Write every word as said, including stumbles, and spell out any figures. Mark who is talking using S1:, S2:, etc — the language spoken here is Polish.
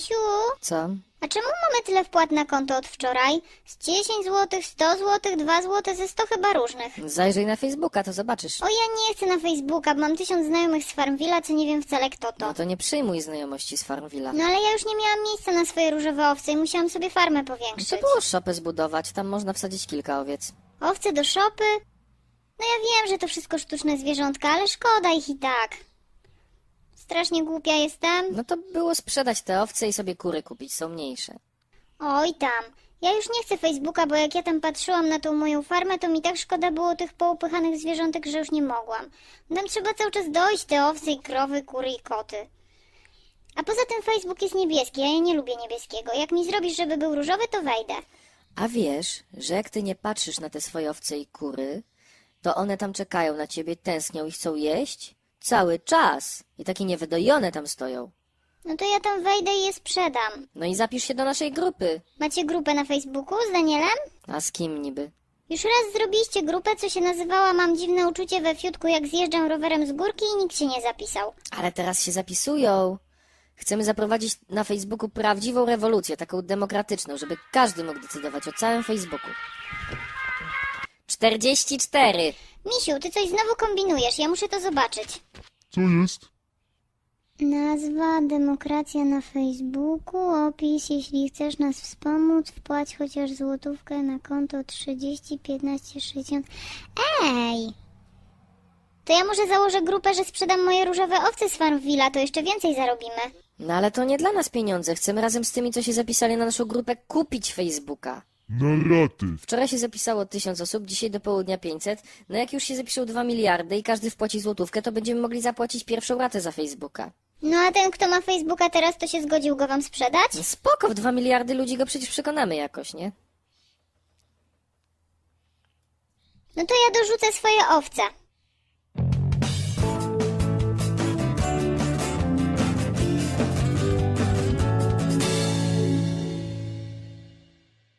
S1: Misiu,
S2: Co?
S1: a czemu mamy tyle wpłat na konto od wczoraj? Z dziesięć złotych, sto złotych, dwa złote, ze sto chyba różnych.
S2: Zajrzyj na Facebooka, to zobaczysz.
S1: O, ja nie chcę na Facebooka, bo mam tysiąc znajomych z Farmville'a, co nie wiem wcale kto to.
S2: No to nie przyjmuj znajomości z Farmville'a.
S1: No ale ja już nie miałam miejsca na swoje różowe owce i musiałam sobie farmę powiększyć.
S2: To było szopę zbudować, tam można wsadzić kilka owiec.
S1: Owce do szopy? No ja wiem, że to wszystko sztuczne zwierzątka, ale szkoda ich i tak. Strasznie głupia jestem.
S2: No to było sprzedać te owce i sobie kury kupić, są mniejsze.
S1: Oj tam, ja już nie chcę Facebooka, bo jak ja tam patrzyłam na tą moją farmę, to mi tak szkoda było tych poupychanych zwierzątek, że już nie mogłam. Tam trzeba cały czas dojść te owce i krowy, kury i koty. A poza tym Facebook jest niebieski, a ja nie lubię niebieskiego. Jak mi zrobisz, żeby był różowy, to wejdę.
S2: A wiesz, że jak ty nie patrzysz na te swoje owce i kury, to one tam czekają na ciebie, tęsknią i chcą jeść? Cały czas. I takie niewydojone tam stoją.
S1: No to ja tam wejdę i je sprzedam.
S2: No i zapisz się do naszej grupy.
S1: Macie grupę na Facebooku z Danielem?
S2: A z kim niby?
S1: Już raz zrobiliście grupę, co się nazywała Mam dziwne uczucie we fiutku, jak zjeżdżam rowerem z górki i nikt się nie zapisał.
S2: Ale teraz się zapisują. Chcemy zaprowadzić na Facebooku prawdziwą rewolucję, taką demokratyczną, żeby każdy mógł decydować o całym Facebooku. czterdzieści cztery.
S1: Misiu, ty coś znowu kombinujesz, ja muszę to zobaczyć.
S3: Co jest?
S1: Nazwa, demokracja na Facebooku, opis, jeśli chcesz nas wspomóc, wpłać chociaż złotówkę na konto trzydzieści piętnaście sześćdziesiąt. Ej! To ja może założę grupę, że sprzedam moje różowe owce z Farmville'a, to jeszcze więcej zarobimy.
S2: No ale to nie dla nas pieniądze. Chcemy razem z tymi, co się zapisali na naszą grupę, kupić Facebooka.
S3: Na raty.
S2: Wczoraj się zapisało tysiąc osób, dzisiaj do południa pięćset. No jak już się zapiszą dwa miliardy i każdy wpłaci złotówkę, to będziemy mogli zapłacić pierwszą ratę za Facebooka.
S1: No a ten, kto ma Facebooka teraz, to się zgodził go wam sprzedać?
S2: No spoko, w dwa miliardy ludzi go przecież przekonamy jakoś, nie?
S1: No to ja dorzucę swoje owce.